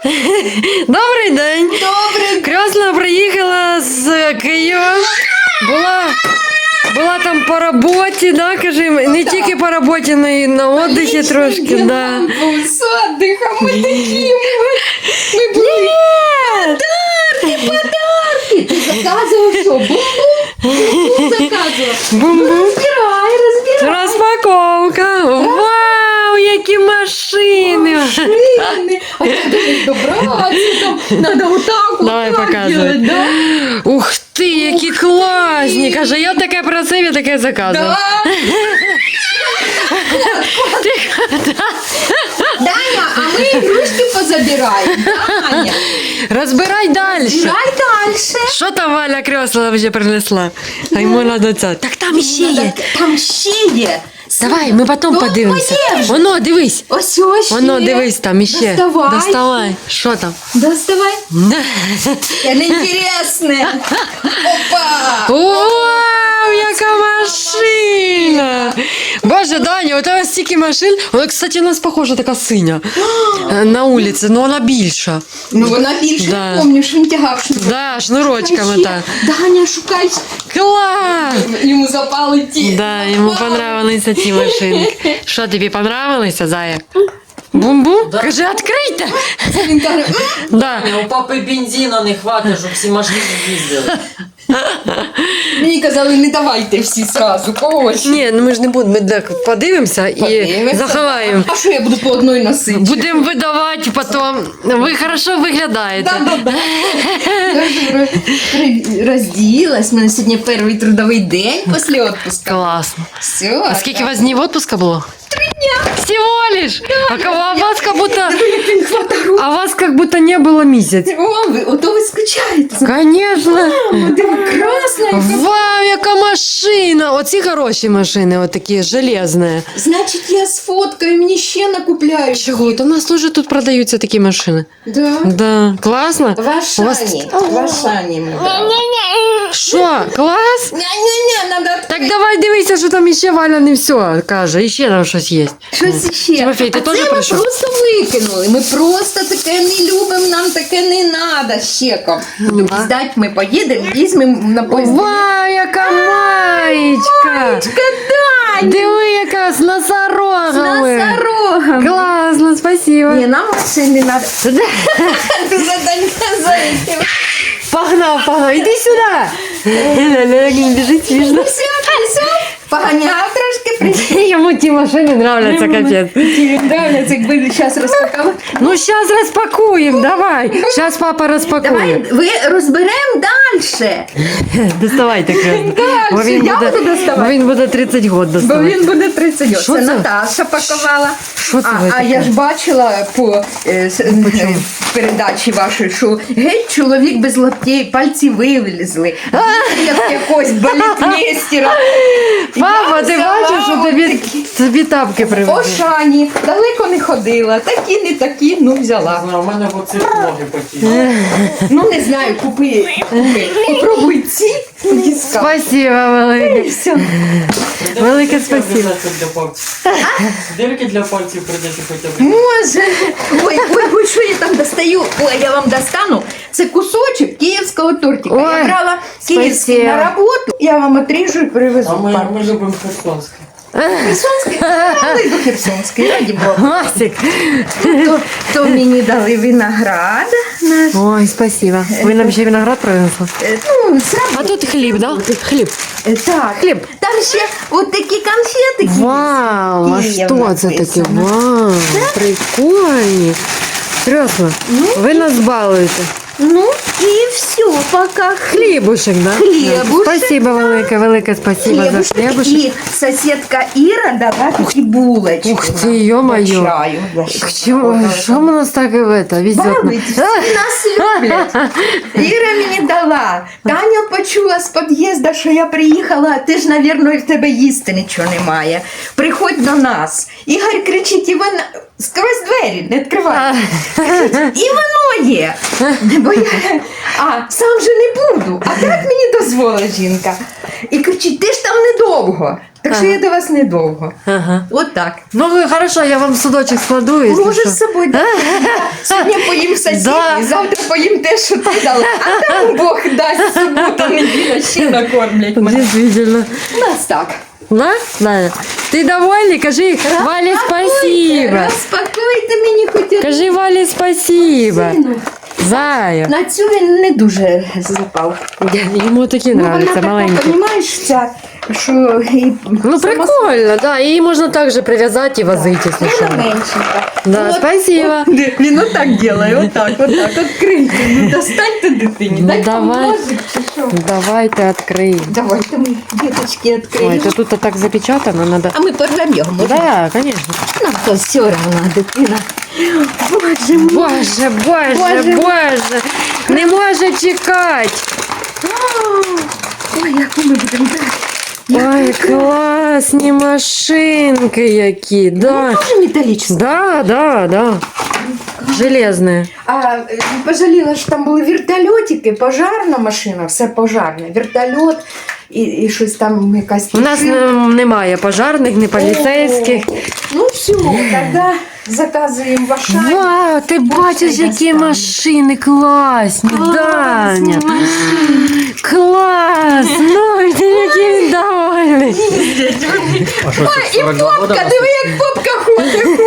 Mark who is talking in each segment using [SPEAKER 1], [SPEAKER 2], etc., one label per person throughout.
[SPEAKER 1] Добрий день.
[SPEAKER 2] Добрий.
[SPEAKER 1] Крьосна приїхала з Києва. Була там по роботі, да, кажи, не тільки по роботі, але й на отдихі трошки, да.
[SPEAKER 2] З отдихом ми такі. Ми були. Подарки. Ти заказував що? Бум-бум заказував.
[SPEAKER 1] Бум-бум.
[SPEAKER 2] Розбирай.
[SPEAKER 1] Розпаковка. Вау, які машини.
[SPEAKER 2] Машини. А як до них добратися? Там треба отак,
[SPEAKER 1] Давай,
[SPEAKER 2] отак
[SPEAKER 1] показуй.
[SPEAKER 2] делать, да?
[SPEAKER 1] Ух ти, які класні. Каже, я таке просив, я таке заказував.
[SPEAKER 2] Даня, а ми ігрушки позабираємо. Даня,
[SPEAKER 1] Розбирай далі.
[SPEAKER 2] збирай далі.
[SPEAKER 1] Що там Валя Крьосла вже принесла? А йому надо це. Так там іще є.
[SPEAKER 2] Там ще є.
[SPEAKER 1] Давай, ми потім
[SPEAKER 2] Ну,
[SPEAKER 1] подивимося.
[SPEAKER 2] подивимось.
[SPEAKER 1] Воно, дивись.
[SPEAKER 2] Ось ще.
[SPEAKER 1] Воно, дивись, там іще.
[SPEAKER 2] Доставай.
[SPEAKER 1] Доставай. Що там?
[SPEAKER 2] Доставай. Це інтересне. Опа.
[SPEAKER 1] Вау, яка машина! Боже, Даня, у тебе стільки машин. Вона, кстати, у нас похожа така синя. На вулиці, але вона більша.
[SPEAKER 2] Ну вона більше,
[SPEAKER 1] Да.
[SPEAKER 2] помниш, він тягав шнурок.
[SPEAKER 1] Да, шнурочками так.
[SPEAKER 2] Даня, шукай.
[SPEAKER 1] Клас!
[SPEAKER 2] Йому запали ті.
[SPEAKER 1] Да, йому понравилися ті машинки. Що, тобі понравилися, Зая? Бум-бум?
[SPEAKER 3] Да.
[SPEAKER 1] Кажи, відкрийте!
[SPEAKER 2] Він каже,
[SPEAKER 1] Да.
[SPEAKER 3] У папи бензину не хватить, щоб всі машини їздили.
[SPEAKER 2] мені казали, не давайте всі сразу, когось.
[SPEAKER 1] Ні, ну ми ж не будемо, ми так подивимося і заховаємо.
[SPEAKER 2] А що я буду по одній носити?
[SPEAKER 1] Будемо видавати потім. Ви хорошо виглядаєте.
[SPEAKER 2] Розділась, у мене сьогодні перший трудовий день після відпуску.
[SPEAKER 1] Класно.
[SPEAKER 2] Все.
[SPEAKER 1] А скільки у вас днів відпуска було? 3 дня. Всего лиш? А вас как будто не было месяц.
[SPEAKER 2] О, ото ви скучаєте.
[SPEAKER 1] Конечно.
[SPEAKER 2] Мамо, ти красна.
[SPEAKER 1] Вау, яка машина! Оці хороші машини, от такі железні.
[SPEAKER 2] Значить, я сфоткаю, мені ще накупляють.
[SPEAKER 1] Чого? То в нас теж тут продаються такі машини.
[SPEAKER 2] Да.
[SPEAKER 1] Да, класно.
[SPEAKER 2] В Ашані. В Ашані ми брали.
[SPEAKER 1] Що, клас?
[SPEAKER 2] Ня-ня-ня, надо
[SPEAKER 1] Так давай дивися, що там іще Валя не все каже, іще там щось є.
[SPEAKER 2] щось ще.
[SPEAKER 1] Тимофій, ти
[SPEAKER 2] А
[SPEAKER 1] теж
[SPEAKER 2] це
[SPEAKER 1] прийшов?
[SPEAKER 2] ми просто викинули. Ми просто таке не любимо, нам таке не треба щеком.
[SPEAKER 1] да.
[SPEAKER 2] Здать ми поїдемо, візьмемо на поїзд.
[SPEAKER 1] Вау, яка маєчка!
[SPEAKER 2] Кадай!
[SPEAKER 1] Диви, яка з носорогами!
[SPEAKER 2] Носорогом.
[SPEAKER 1] Класно, спасибо.
[SPEAKER 2] Ні, нам машин не треба. Ти заданька зайти.
[SPEAKER 1] Погнав, іди сюди. Він біжить смішно.
[SPEAKER 2] Все. Поганяв трошки, прийшли.
[SPEAKER 1] Йому ті машини нравляться, капець.
[SPEAKER 2] Нравляться, якби зараз розпакували.
[SPEAKER 1] Ну, зараз розпакуємо, давай. Зараз папа розпакує.
[SPEAKER 2] Давай, ви розберемо далі.
[SPEAKER 1] Доставайте, Крьосна.
[SPEAKER 2] Дальше, я буду доставати.
[SPEAKER 1] Бо він буде 30 років
[SPEAKER 2] Бо
[SPEAKER 1] доставати.
[SPEAKER 2] він буде 30 років.
[SPEAKER 1] Що
[SPEAKER 2] Це
[SPEAKER 1] це?
[SPEAKER 2] Наташа пакувала.
[SPEAKER 1] Що це ви
[SPEAKER 2] А
[SPEAKER 1] таке?
[SPEAKER 2] я ж бачила по передачі вашої, що геть чоловік без лаптей, пальці вивезли. Як якогось балетмейстера.
[SPEAKER 1] Папа, ти бачиш, що тобі тапки привезли?
[SPEAKER 2] Ошані, далеко не ходила. Такі, не такі, ну взяла.
[SPEAKER 3] У мене в оці ноги потіли.
[SPEAKER 2] Ну не знаю, купи. Попробуй ці, тоді скажеш.
[SPEAKER 1] Спасибо, велике.
[SPEAKER 2] Все.
[SPEAKER 1] Велике спасибо.
[SPEAKER 3] Для пальців. Дирки для пальців прийдеться хоча б.
[SPEAKER 2] Може. Ой, що я там достаю? Ой, я вам достану. Це кусочок київського тортика. Я
[SPEAKER 1] Ой,
[SPEAKER 2] брала київський
[SPEAKER 1] спасибо.
[SPEAKER 2] на роботу. Я вам отріжу і привезу.
[SPEAKER 3] А ми любимо херсонське.
[SPEAKER 2] Херсонський? Але й до Херсонський, раді Бога.
[SPEAKER 1] Масик.
[SPEAKER 2] То мені дали виноград. Наш.
[SPEAKER 1] Ой, спасибо. Ви нам ще виноград принесли?
[SPEAKER 2] Ну,
[SPEAKER 1] А тут хліб, да? Хліб.
[SPEAKER 2] так.
[SPEAKER 1] Хліб.
[SPEAKER 2] Там ще от такі конфетики.
[SPEAKER 1] Вау, а
[SPEAKER 2] Київ
[SPEAKER 1] що це таке?
[SPEAKER 2] написано.
[SPEAKER 1] Вау, прикольні. Крьосно, ви нас балуєте.
[SPEAKER 2] Ну і все, пока.
[SPEAKER 1] Хлібушек, да?
[SPEAKER 2] Хлібушек,
[SPEAKER 1] Спасибо велике спасибо за хлібушек.
[SPEAKER 2] І сусідка Іра дала такі булочки.
[SPEAKER 1] Ух ти, ё-моё.
[SPEAKER 2] До чаю. Я ще
[SPEAKER 1] Що у нас так везет?
[SPEAKER 2] балуйтесь, всі нас люблять. Іра мені дала. Таня почула з під'їзду, що я приїхала, ти ж, мабуть, в тебе їсти нічого немає. Приходь до нас. Ігор кричить, і вона скрозь двері, не відкривай. І воно є. Бо я сам же не буду. А так мені дозволила жінка. І кричить, ти ж там недовго. Так що я до вас недовго.
[SPEAKER 1] Ага.
[SPEAKER 2] От так.
[SPEAKER 1] Ну, ви, хорошо, я вам судочок складу. якщо
[SPEAKER 2] Можеш
[SPEAKER 1] що.
[SPEAKER 2] з собою. Сьогодні поїм сосиски,
[SPEAKER 1] Да.
[SPEAKER 2] завтра поїм те, що ти дала. А там Бог дасть, субота, неділя, ще накормлять мене.
[SPEAKER 1] Действительно.
[SPEAKER 2] У нас так.
[SPEAKER 1] Да? Даня? Ти довольний? Кажи Валі спасибо.
[SPEAKER 2] Розпакуйте мені хоч одну.
[SPEAKER 1] Кажи Валі спасибо.
[SPEAKER 2] Сину.
[SPEAKER 1] Зая.
[SPEAKER 2] На цю він не дуже запав.
[SPEAKER 1] Йому такі
[SPEAKER 2] Ну, вона
[SPEAKER 1] нравляться,
[SPEAKER 2] така,
[SPEAKER 1] маленькі.
[SPEAKER 2] розумієш, ця, що і
[SPEAKER 1] Ну прикольно, да. Її можна також прив'язати і возити, якщо що.
[SPEAKER 2] вона меншенька.
[SPEAKER 1] Да,
[SPEAKER 2] От,
[SPEAKER 1] спасибо.
[SPEAKER 2] Він отак робить, отак, відкрийте. Ну, достаньте дитині,
[SPEAKER 1] Ну,
[SPEAKER 2] дай
[SPEAKER 1] давай.
[SPEAKER 2] поможик, чи що.
[SPEAKER 1] Давайте відкриємо.
[SPEAKER 2] Давайте ми діточки
[SPEAKER 1] Ой,
[SPEAKER 2] відкриємо.
[SPEAKER 1] то тут так запечатано, надо.
[SPEAKER 2] А ми порвемо його, можна?
[SPEAKER 1] Да, конечно.
[SPEAKER 2] Нам то все равно, дитина. Боже мой.
[SPEAKER 1] Боже, боже,
[SPEAKER 2] Боже.
[SPEAKER 1] боже. Не може чекати.
[SPEAKER 2] Ой, яку ми будемо брати.
[SPEAKER 1] Ой, класні машинки які, да.
[SPEAKER 2] Тоже металічна.
[SPEAKER 1] Да. Железные.
[SPEAKER 2] А пожаліла, що там були вертольотики, пожарна машина, все пожарне. Вертольот і щось там якась.
[SPEAKER 1] У нас немає пожарних, не поліцейських.
[SPEAKER 2] Ну все, тоді заказуємо в Ашані.
[SPEAKER 1] Вау, ти бачиш, які
[SPEAKER 2] достанемо.
[SPEAKER 1] машини класні, Даня. Клас! Ну, ти який він довольний.
[SPEAKER 3] А що це,
[SPEAKER 2] І
[SPEAKER 3] 42 года?
[SPEAKER 2] попка, диви, як попка ходить.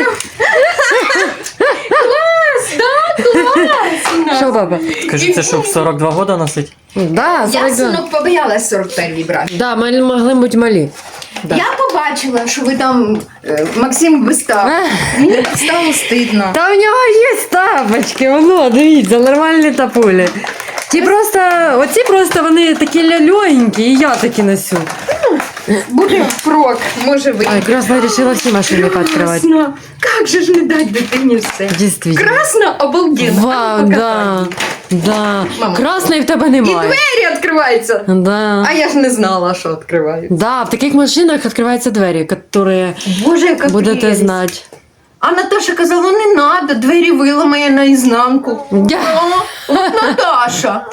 [SPEAKER 2] Клас, да, класно.
[SPEAKER 1] Що, баба?
[SPEAKER 3] Скажи, це щоб 42 года носить?
[SPEAKER 1] Да,
[SPEAKER 2] Я
[SPEAKER 1] 42.
[SPEAKER 2] синок побоялась 41-й брати.
[SPEAKER 1] Да, ми могли бути малі. Да.
[SPEAKER 2] Я побачила, що ви там Максим вистав. Мені так стало стидно.
[SPEAKER 1] Та у нього є тапочки, воно, дивіться, нормальні тапулі. Ті просто, оці просто вони такі легенькі, і я такі носю.
[SPEAKER 2] Буде впрок, може ви.
[SPEAKER 1] Ой, Красна вирішила всі машини відкривати.
[SPEAKER 2] Красно. Как же ж не дать дитині все?
[SPEAKER 1] Дійсно.
[SPEAKER 2] Красно, обалденно.
[SPEAKER 1] Вау, да. Да.
[SPEAKER 2] Мама.
[SPEAKER 1] Красної в тебе
[SPEAKER 2] І
[SPEAKER 1] немає.
[SPEAKER 2] двері відкриваються.
[SPEAKER 1] Да.
[SPEAKER 2] А я ж не знала, що відкриваються.
[SPEAKER 1] Да, в таких машинах відкриваються двері, які
[SPEAKER 2] Боже, яка
[SPEAKER 1] будете
[SPEAKER 2] прелість.
[SPEAKER 1] знати.
[SPEAKER 2] А Наташа казала, не надо, двері виламає наізнанку. От Наташа.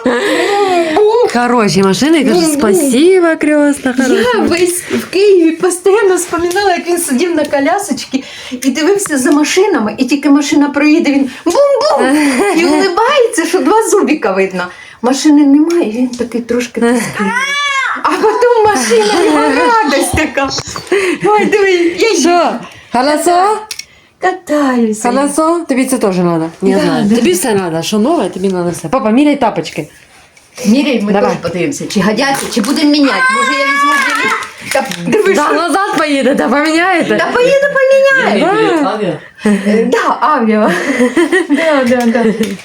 [SPEAKER 1] Хороші машини, я кажу, спасибо, крестна,
[SPEAKER 2] Я
[SPEAKER 1] хороша.
[SPEAKER 2] весь в Києві постійно вспоминала, як він сидів на колясочці і дивився за машинами, і тільки машина проїде, він бум-бум! І улибається, що два зубіка видно. Машини немає, він такий трошки тоскливий. А потім машина, його радость така. Ой, диви, я їду.
[SPEAKER 1] Що? Хорошо?
[SPEAKER 2] Катаюся.
[SPEAKER 1] Хорошо? Тобі це теж треба? Не
[SPEAKER 2] Да,
[SPEAKER 1] знаю.
[SPEAKER 2] да.
[SPEAKER 1] Тобі все треба, що нове, тобі треба все. Папа, міряй тапочки.
[SPEAKER 2] Міряй, ми
[SPEAKER 1] Давай.
[SPEAKER 2] теж подивимося, чи годяться, чи будемо міняти. Може, я візьму білі. Та диви,
[SPEAKER 1] Да,
[SPEAKER 2] що.
[SPEAKER 1] назад поїдете, поміняєте.
[SPEAKER 2] Та поїду поміняю.
[SPEAKER 3] Білет авіа?
[SPEAKER 2] Да, авіа. Да.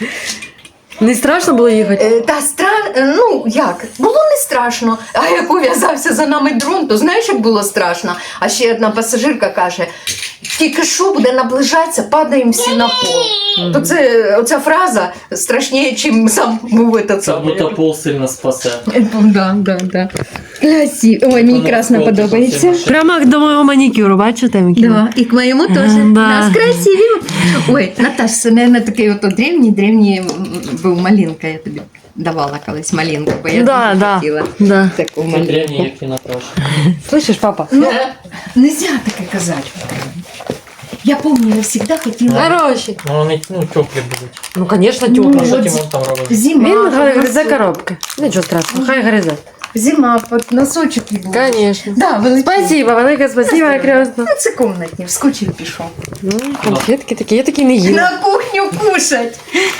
[SPEAKER 1] Не страшно було їхати?
[SPEAKER 2] Та ну як, було не страшно. А як ув'язався за нами дрон, то знаєш, як було страшно. А ще одна пасажирка каже, тільки що буде наближатися, падаємо всі на пол. То це оця фраза страшніше, чим сам був этот
[SPEAKER 3] Це
[SPEAKER 2] самий.
[SPEAKER 3] будто пол сильно спасе.
[SPEAKER 2] Да. Красиво. Ой, мені
[SPEAKER 3] Воно
[SPEAKER 2] красно
[SPEAKER 3] вколоти
[SPEAKER 2] подобається.
[SPEAKER 3] зовсім.
[SPEAKER 1] Прямо до моєго манікюру, бачите? Микіна?
[SPEAKER 2] Да, и к моему тоже.
[SPEAKER 1] Да.
[SPEAKER 2] У нас красиві. Ой, Наташ, це, мабуть, такий ото древній був малинка, я тобі давала колись малинку, бо я дуже хотіла
[SPEAKER 1] да.
[SPEAKER 2] таку
[SPEAKER 3] Це
[SPEAKER 2] малинку.
[SPEAKER 3] древні, як і Наташа.
[SPEAKER 1] Слышиш, папа?
[SPEAKER 2] Ну, нельзя таке казати. Я помню, я всегда хотіла
[SPEAKER 1] Хороші.
[SPEAKER 3] Ну вони теплі будуть.
[SPEAKER 1] Ну, звісно,
[SPEAKER 2] Ну,
[SPEAKER 1] тепло.
[SPEAKER 3] А що
[SPEAKER 2] от
[SPEAKER 3] Тимон там робить?
[SPEAKER 2] зима.
[SPEAKER 1] Він
[SPEAKER 2] под
[SPEAKER 1] гризе
[SPEAKER 2] носочок.
[SPEAKER 1] коробки. Нічого страшного, хай гризе.
[SPEAKER 2] Зима, под носочок і було.
[SPEAKER 1] Конечно.
[SPEAKER 2] Да, великі.
[SPEAKER 1] Спасибо, велике спасибо, крестно.
[SPEAKER 2] Ну, це комнатні, вскочив пішов.
[SPEAKER 1] Ну, конфетки такі, я такі не їм.
[SPEAKER 2] На кухню кушать.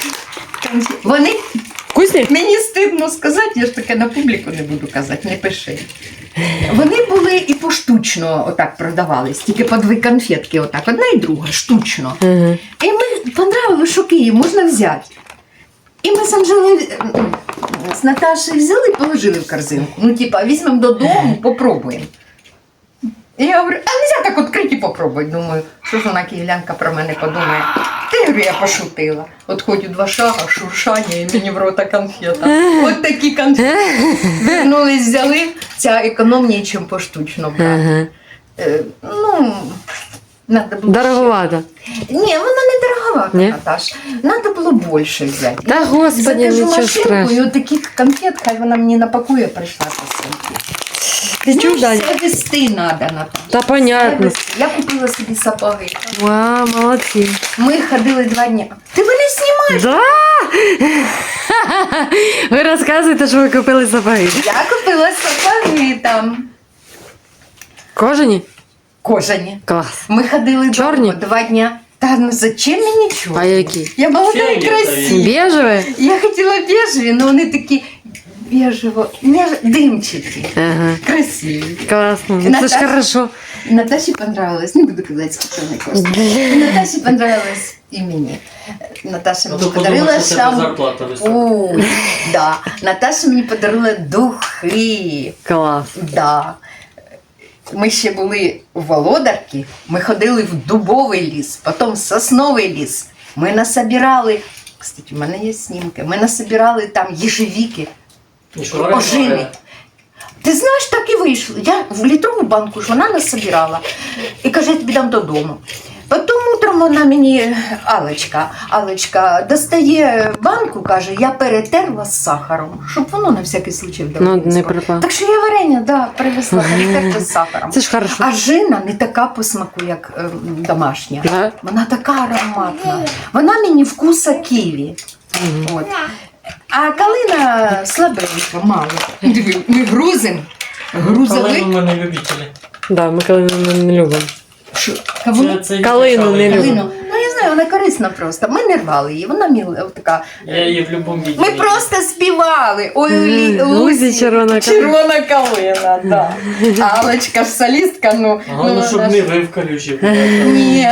[SPEAKER 2] Вони,
[SPEAKER 1] Вкусні?
[SPEAKER 2] мені стидно сказати, я ж таке на публіку не буду казати, не пиши. Вони були і поштучно отак продавались, тільки по дві конфетки, отак, одна і друга, штучно.
[SPEAKER 1] Угу.
[SPEAKER 2] І ми понравилось, що Київ можна взяти. І ми з Анжелою з Наташею взяли і положили в корзинку. Ну, типа, візьмемо додому, попробуємо. І я говорю, а нельзя так відкрити і попробувати. Думаю, що ж вона київлянка про мене подумає. Ти, говорю, я пошутила. От ходю 2 шага, шуршання і мені в рота конфета. От такі конфети. Вернулись, взяли. Ця економніше, ніж поштучно брати.
[SPEAKER 1] Ага.
[SPEAKER 2] Ну, надо було
[SPEAKER 1] Дороговато.
[SPEAKER 2] Ні, вона не дороговата,
[SPEAKER 1] Ні?
[SPEAKER 2] Наташ. Надо було більше взяти.
[SPEAKER 1] Та господи,
[SPEAKER 2] Закажу
[SPEAKER 1] нічого
[SPEAKER 2] машинку, і
[SPEAKER 1] страшного.
[SPEAKER 2] от таких конфет, хай вона мені напакує, прийшла посилки.
[SPEAKER 1] Ти чув, Даня?
[SPEAKER 2] Все вести треба, Наташа.
[SPEAKER 1] Та
[SPEAKER 2] Все
[SPEAKER 1] понятно.
[SPEAKER 2] вести. Я купила собі сапоги.
[SPEAKER 1] Вау, молодці.
[SPEAKER 2] Ми ходили 2 дні. Ти мене знімаєш?
[SPEAKER 1] Да? Ви розказуєте, що ви купили сапоги.
[SPEAKER 2] Я купила сапоги там.
[SPEAKER 1] Кожані?
[SPEAKER 2] Кожані.
[SPEAKER 1] Клас.
[SPEAKER 2] Ми ходили
[SPEAKER 1] Чорні?
[SPEAKER 2] 2 дня. Та ну зачем мені чорні?
[SPEAKER 1] А які?
[SPEAKER 2] Я молода і
[SPEAKER 3] Фіолетові.
[SPEAKER 2] красива.
[SPEAKER 1] Бежеві?
[SPEAKER 2] Я хотіла бежеві, але вони такі димчаті.
[SPEAKER 1] Ага.
[SPEAKER 2] Красиві.
[SPEAKER 1] Класно. Це ж
[SPEAKER 2] Наташа-
[SPEAKER 1] хорошо.
[SPEAKER 2] Наташі понравилось, не буду казати, скільки вони коштують. Наташі понравилось і мені. Наташа
[SPEAKER 3] Ну,
[SPEAKER 2] мені
[SPEAKER 3] то
[SPEAKER 2] подарила
[SPEAKER 3] подумав, що тебе
[SPEAKER 2] шампунь.
[SPEAKER 3] зарплата висока.
[SPEAKER 2] Да. Наташа мені подарила духи.
[SPEAKER 1] Клас.
[SPEAKER 2] Да. Ми ще були у Володарці, ми ходили в дубовий ліс, потім в сосновий ліс. Ми насобирали, кстати, у мене є знімки, ми насобирали там їжевіки,
[SPEAKER 3] І що, варена
[SPEAKER 2] ожини.
[SPEAKER 3] варена?
[SPEAKER 2] Ти знаєш, так і вийшло. Я в літрову банку ж вона насобирала і каже, я тобі дам додому. Потім утром вона мені, Алечка, достає банку, каже, я перетерла з сахаром, щоб воно на всякий случай вдома.
[SPEAKER 1] Ну, не припало.
[SPEAKER 2] Так що я варення, да, привезла перетерте з сахаром.
[SPEAKER 1] Це ж хорошо.
[SPEAKER 2] А жина не така по смаку, як домашня.
[SPEAKER 1] Да?
[SPEAKER 2] Вона така ароматна. Вона мені вкуса ківі. От. А калина слабенька, мало. Диви, ми грузимо. Грузовик.
[SPEAKER 3] Калину ми не любителі.
[SPEAKER 1] Да, ми калину не любимо.
[SPEAKER 2] Кавуни?
[SPEAKER 3] Це
[SPEAKER 1] Калину не люблю.
[SPEAKER 2] Калину. Ну, я знаю, вона корисна просто. Ми не рвали її, вона міла така.
[SPEAKER 3] Я її в будь-якому відео.
[SPEAKER 2] Ми просто співали. Ой,
[SPEAKER 1] Лузі червона калина.
[SPEAKER 2] Червона калина, да. А Алечка ж солістка, ну.
[SPEAKER 3] Головне, щоб
[SPEAKER 2] вона
[SPEAKER 3] не
[SPEAKER 2] ж-
[SPEAKER 3] ви в калюжі.
[SPEAKER 2] Ні.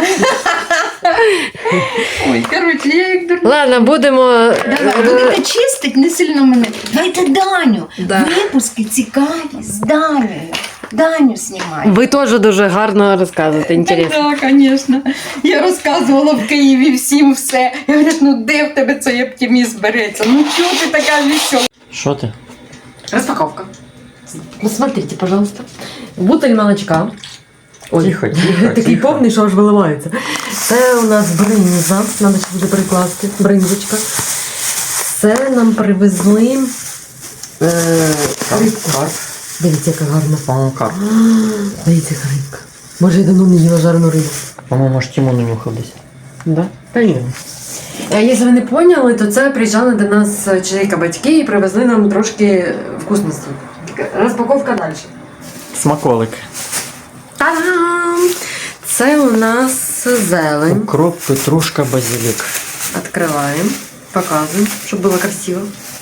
[SPEAKER 2] Ой, коротше, я як дурна.
[SPEAKER 1] Ладно, будемо.
[SPEAKER 2] Давай, будете чистить, не сильно мене. Дайте Даню.
[SPEAKER 1] Да.
[SPEAKER 2] Випуски цікаві з Данею. Даню знімай.
[SPEAKER 1] Ви теж дуже гарно розказуєте, інтересно.
[SPEAKER 2] Так, звісно. Я розказувала в Києві всім все. Я говорю, ну де в тебе цей оптимізм береться? Ну чого ти така весела?
[SPEAKER 3] Що ти?
[SPEAKER 1] Распаковка. Посмотрите, пожалуйста. Бутыль молочка. Ой,
[SPEAKER 3] Тихо, тихо,
[SPEAKER 1] такий
[SPEAKER 3] тихо.
[SPEAKER 1] повний, що аж виливається. Це у нас бринза. Надо ще буде прикласти. Бринзочка. Це нам привезли рибку. Дивіться, яка гарна.
[SPEAKER 3] По-моєму, карп.
[SPEAKER 1] Дивіться, яка рибка. Може, я давно не їла жарену рибу.
[SPEAKER 3] По-моєму, аж Тімон унюхав десь.
[SPEAKER 1] Да? Та ні. Якщо ви не поняли, то це приїжджали до нас чоловіка батьки і привезли нам трошки вкусностей. Розпаковка далі.
[SPEAKER 3] Смаколик.
[SPEAKER 1] Та-дам! Це у нас зелень.
[SPEAKER 3] Укроп, петрушка, базилік.
[SPEAKER 1] Открываем, показываем, чтобы было красиво.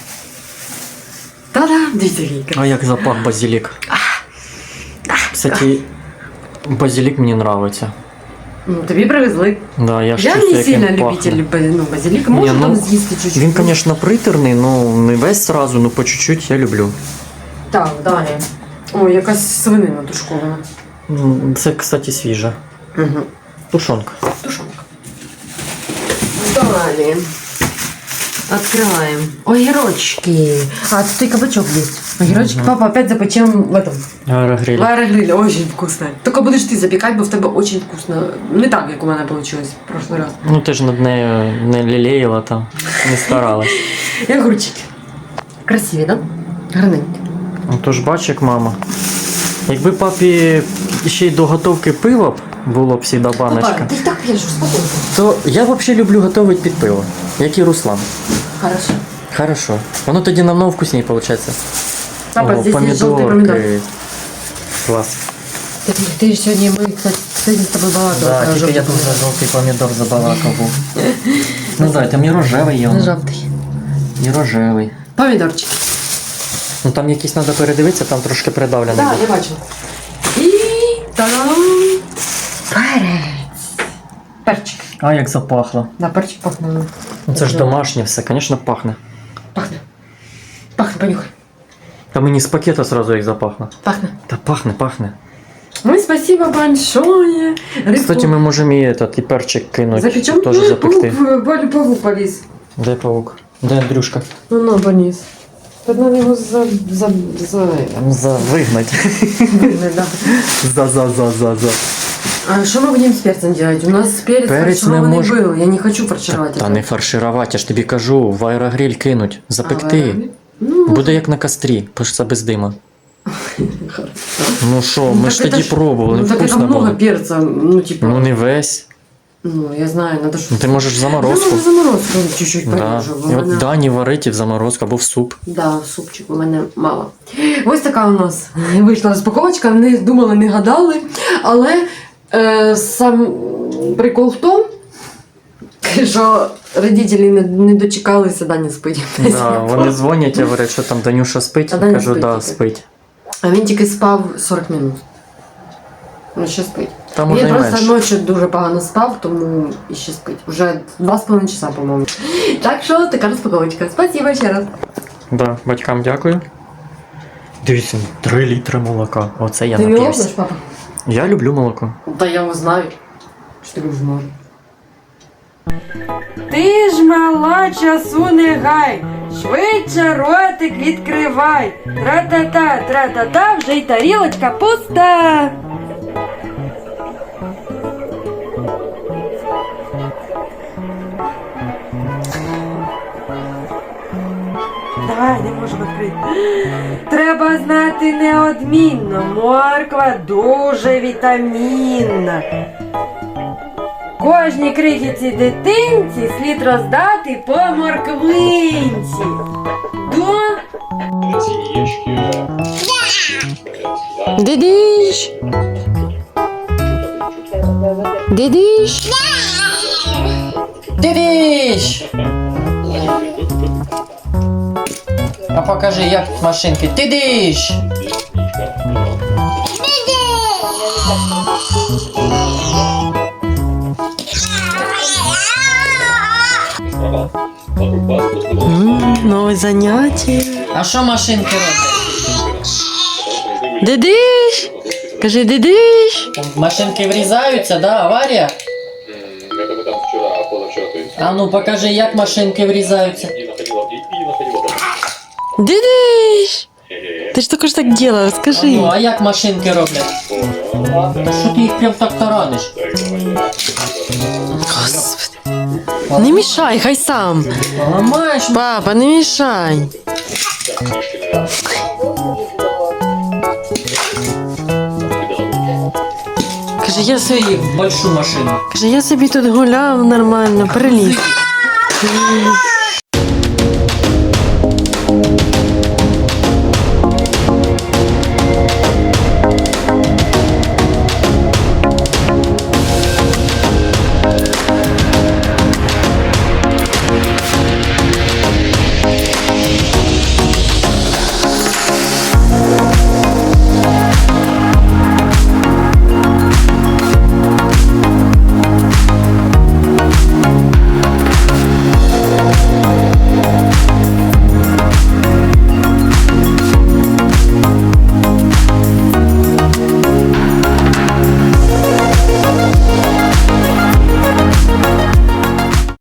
[SPEAKER 1] Та-да! Дивіться, який красивий.
[SPEAKER 3] А як запах базилік. Кстати, базилік мені подобається.
[SPEAKER 1] Ну, тобі привезли.
[SPEAKER 3] Да, я ж
[SPEAKER 1] Я
[SPEAKER 3] чувствую,
[SPEAKER 1] не
[SPEAKER 3] як
[SPEAKER 1] сильно
[SPEAKER 3] він
[SPEAKER 1] любитель
[SPEAKER 3] пахне.
[SPEAKER 1] базилика.
[SPEAKER 3] Ні,
[SPEAKER 1] Можу
[SPEAKER 3] ну,
[SPEAKER 1] там з'їсти чуть-чуть.
[SPEAKER 3] Він, звісно, приторний, ну не весь сразу, ну по чуть-чуть я люблю.
[SPEAKER 1] Так, далі. Ой, якась свинина тушкована.
[SPEAKER 3] Це, кстати, свіжа.
[SPEAKER 1] Угу.
[SPEAKER 3] Тушонка.
[SPEAKER 1] Тушонка. Далі. Открываем. Огірочки. А, тут и кабачок есть. Огірочки.
[SPEAKER 3] Мгм.
[SPEAKER 1] Папа, опять запечем в этом.
[SPEAKER 3] Аэрогриль.
[SPEAKER 1] В аэрогриле. Очень вкусно. Только будешь ты запекать, бо в тебе очень вкусно. Не так, як у мене получилось в прошлый раз.
[SPEAKER 3] Ну ти ж над нею не лілеяла там, не старалась.
[SPEAKER 1] І огурчики. Красиві, да? Гарненькі.
[SPEAKER 3] Ну то ж бач, як мама. Якби папі ще й до готовки пива б було б всіда баночка,
[SPEAKER 1] Папа, ти ж так п'єш, успокойся.
[SPEAKER 3] то я взагалі люблю готувати під пиво, як і Руслан.
[SPEAKER 1] Хорошо.
[SPEAKER 3] Хорошо. Воно тоді намного вкусніше виходить.
[SPEAKER 1] Папа,
[SPEAKER 3] О,
[SPEAKER 1] здесь есть желтый помидор.
[SPEAKER 3] Клас.
[SPEAKER 1] Ты сегодня, мы, кстати, с тобой балакали.
[SPEAKER 3] Да,
[SPEAKER 1] про
[SPEAKER 3] тільки я
[SPEAKER 1] желтый
[SPEAKER 3] тут
[SPEAKER 1] помидор.
[SPEAKER 3] за жовтий помідор забалакав був. Ну да, там і рожевий є.
[SPEAKER 1] Не жовтий.
[SPEAKER 3] І рожевий.
[SPEAKER 1] Помідорчики.
[SPEAKER 3] Ну там якісь треба передивитися, там трошки придавлений
[SPEAKER 1] Так,
[SPEAKER 3] був.
[SPEAKER 1] я бачила. І там перець. Перчик.
[SPEAKER 3] А як запахло.
[SPEAKER 1] Да, перчик пахне.
[SPEAKER 3] Ну це ж домашнє все, звісно, пахне.
[SPEAKER 1] Пахне. Пахне, понюхай.
[SPEAKER 3] Та мені з пакета сразу як запахло.
[SPEAKER 1] Пахне.
[SPEAKER 3] Та пахне, пахне.
[SPEAKER 1] Ну, спасибо большое. Рыбку
[SPEAKER 3] Кстати, ми можемо і этот, і перчик кинути,
[SPEAKER 1] запечем.
[SPEAKER 3] теж запекти.
[SPEAKER 1] Паук полез.
[SPEAKER 3] Де паук? Де Андрюшка?
[SPEAKER 1] Ну, на, полез. Тут надо его
[SPEAKER 3] Вигнать.
[SPEAKER 1] да.
[SPEAKER 3] За.
[SPEAKER 1] А что мы будем с перцем делать? У нас перец
[SPEAKER 3] Перец
[SPEAKER 1] фаршированный
[SPEAKER 3] не мож-
[SPEAKER 1] был. Я не хочу фаршировать.
[SPEAKER 3] Та
[SPEAKER 1] это.
[SPEAKER 3] не фарширувати, я ж тобі кажу, в аерогриль кинуть,
[SPEAKER 1] А,
[SPEAKER 3] запекти.
[SPEAKER 1] ну,
[SPEAKER 3] Буде як на кострі, бо ж це без дима. Ну що, ми ж тоді пробували,
[SPEAKER 1] Ну так это
[SPEAKER 3] вкусно
[SPEAKER 1] много
[SPEAKER 3] було.
[SPEAKER 1] перца, ну типа.
[SPEAKER 3] Ну не весь.
[SPEAKER 1] Ну, я знаю, надо что.
[SPEAKER 3] Ну, ти можеш в
[SPEAKER 1] Я
[SPEAKER 3] заморозку.
[SPEAKER 1] можу заморозку чуть-чуть
[SPEAKER 3] Да.
[SPEAKER 1] поріжу. бо
[SPEAKER 3] І
[SPEAKER 1] в
[SPEAKER 3] от
[SPEAKER 1] мене-
[SPEAKER 3] Дані варить і в заморозку або в суп.
[SPEAKER 1] Да, супчик у мене мало. Ось така у нас вийшла розпаковочка. Не думали, не гадали. Але сам прикол в тому, що родителі не дочекалися, Даня спить.
[SPEAKER 3] Да, вони дзвонять і говорять, що там Данюша спить.
[SPEAKER 1] А
[SPEAKER 3] Я
[SPEAKER 1] Даня
[SPEAKER 3] кажу,
[SPEAKER 1] спить
[SPEAKER 3] да,
[SPEAKER 1] тільки.
[SPEAKER 3] спить.
[SPEAKER 1] А він тільки спав 40 минут. Ну, ще спить.
[SPEAKER 3] Та може
[SPEAKER 1] Він
[SPEAKER 3] і
[SPEAKER 1] просто
[SPEAKER 3] менше.
[SPEAKER 1] ночі дуже погано спав, тому і ще спить. Уже 2,5 часа, по-моєму. Так що така розпаковочка. Спасибо ще раз.
[SPEAKER 3] Да, батькам дякую. Дивіться, 3 літри молока. Оце я
[SPEAKER 1] Ти не
[SPEAKER 3] нап'явся.
[SPEAKER 1] лопнеш, папа?
[SPEAKER 3] Я люблю молоко.
[SPEAKER 1] Та я його знаю. Що ти кажеш, може?
[SPEAKER 4] Ти ж мала, часу не гай, швидше ротик відкривай. Тра-та-та, тра-та-та, вже й тарілочка пуста. Давай, не можу відкрити. Треба знати неодмінно, морква дуже вітамінна. Кожній крихітці дитинці слід роздати по морквинці. До
[SPEAKER 1] Дидиш! Дидиш!
[SPEAKER 3] Дивіш! А покажи, як машинки. Ти диш!
[SPEAKER 1] Нове заняття.
[SPEAKER 3] А що машинки роблять?
[SPEAKER 1] Дидиш! Кажи, дидиш!
[SPEAKER 3] Машинки врізаються, да? Аварія?
[SPEAKER 5] Это мы там вчера, позавчера, то есть.
[SPEAKER 3] А ну покажи, як машинки врізаються.
[SPEAKER 5] И находила.
[SPEAKER 1] Дидиш! Ти ж тільки ж так делав, скажи.
[SPEAKER 3] Ну, а як машинки роблять? Та що ти їх прям так тараниш?
[SPEAKER 1] Господи. Не мішай, хай сам.
[SPEAKER 3] Ламаєш?
[SPEAKER 1] Папа, не мішай. Каже, я собі,
[SPEAKER 3] В большую машину.
[SPEAKER 1] каже, я собі тут гуляв нормально, приліз.